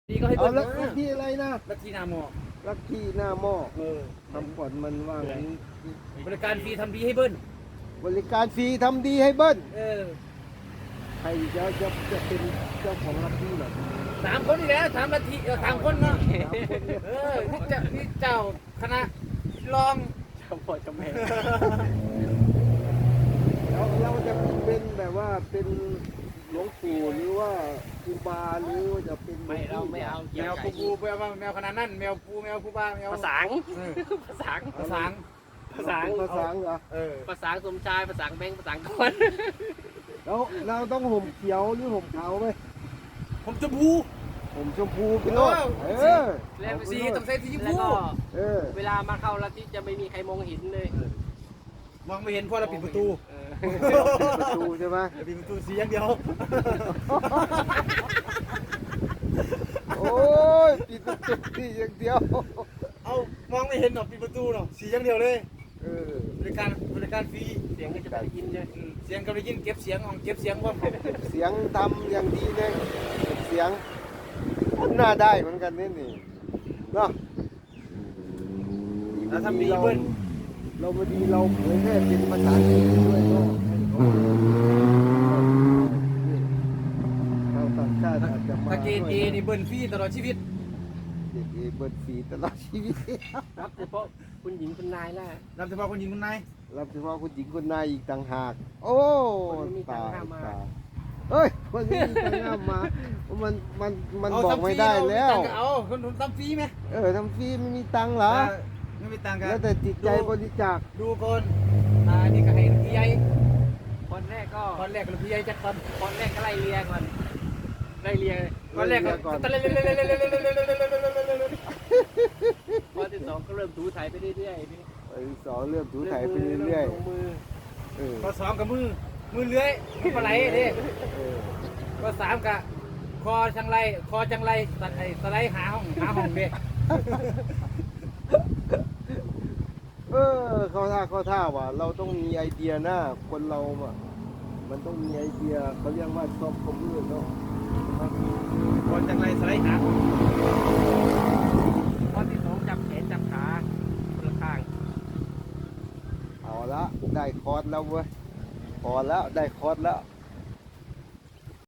นี่ก็ให้เอาเบิ้ลลักที่อะไรนะลักที่นาหมอลักที่หน้าหม้อทำก่อนมันว่างั้นบริการฟรีทำดีให้เบิ้ลบริการฟรีทำดีให้เบิ้ล 3 ใครจะเป็นเจ้าของลักที่หรอคนนี่แหละ3 นาที3 คนเนาะ นี่เจ้าคณะรองเจ้าพ่อเจ้าแม่แล้วเราจะเป็นแบบว่าเป็นหลวงปู่หรือว่าครูบาหรือว่าจะเป็นไม่เราไม่เอาแมเกี่ยววไก่ปูแมวขนาดนั้นแมวปูบ้าแมวภาษาภาษาภาษาภาษาภาษาเหรอภาษาสมชายภาษาแบงค์ภาษาคนแล้วเราต้องห่มเขียวหรือห่มขาวไหมผมจะบูห่มชมพูไปโลดเแล้วสีต้องใส่สีชมแล้วพูก็เออเวลามาเข้าลัทธิจะไม่มีใครมองเห็นเลยมองไม่เห็นเพราะเราปิดประตูประตูใช่ไหมปิดประตูสีอย่างเดียวโอ้ยปิดประตูที่อย่างเดียวเอามองไม่เห็นหรอกปิดประตูหรอกสีอย่างเดียวเลยเออบริการฟรีเสียงก็จะไม่ได้ยินเลยเสียงก็ได้ยินเก็บเสียงของเก็บเสียงว่าเสียงทำอย่างดีเลยเสียงน่าได้เหมือนกันนี่เนาะแล้วทำดีเบิ้ลเราพอดีเราเผยแพร่เป็นภาษาจีนด้วยเนาะเราต่างชาติอาจจะมาถ้าเกณฑ์เอนี่เบิ้ลฟรีตลอดชีวิตเด็กเอเบิร์ดฟรีตลอดชีวิตรับเฉพาะคุณหญิงคุณนายน่ะรับเฉพาะคนหญิงคนนายรับเฉพาะคุณหญิงคุณนายอีกต่างหาก โอ้คนนี้มีตังค์ห้ามมาเอ้ยคนนี้มีตังค์ห้ามมามันบอกไม่ได้แล้วเอาคนทำฟรีไหมทำฟรีไม่มีตังค์เหรอไม่มีตังค์กันแล้วแต่จิตใจบริจาคดูคนนี่ก็ให้พี่ใหญ่คนแรกก็ตอนแรกก็พี่ใหญ่จัดตอนคนแรกก็ไล่เลียก่อนไล่เลียตอนแรกก็ตอนแรกพอที่สองก็เริ่มถูถ่ายไปเรื่อยๆพี่ไอ้สองเริ่มถูถ่ายไปเรื่อยลงมือๆเออก็2กับมือเลื้อยมือปลาไหลดิเออก็3กับคอจังไรสไลด์หาห้องเด็กเข้าท่าว่ะเราต้องมีไอเดียนะคนเราอ่ะมันต้องมีไอเดียเขาเรียกว่าซอฟต์คอมพิวเตอร์เนาะคอจังไรสไลด์หาห้องพอที่สองจับแขนจับขาคนละข้างเอาละได้คอร์สแล้วเว้ยพอแล้วได้คอร์สแล้ว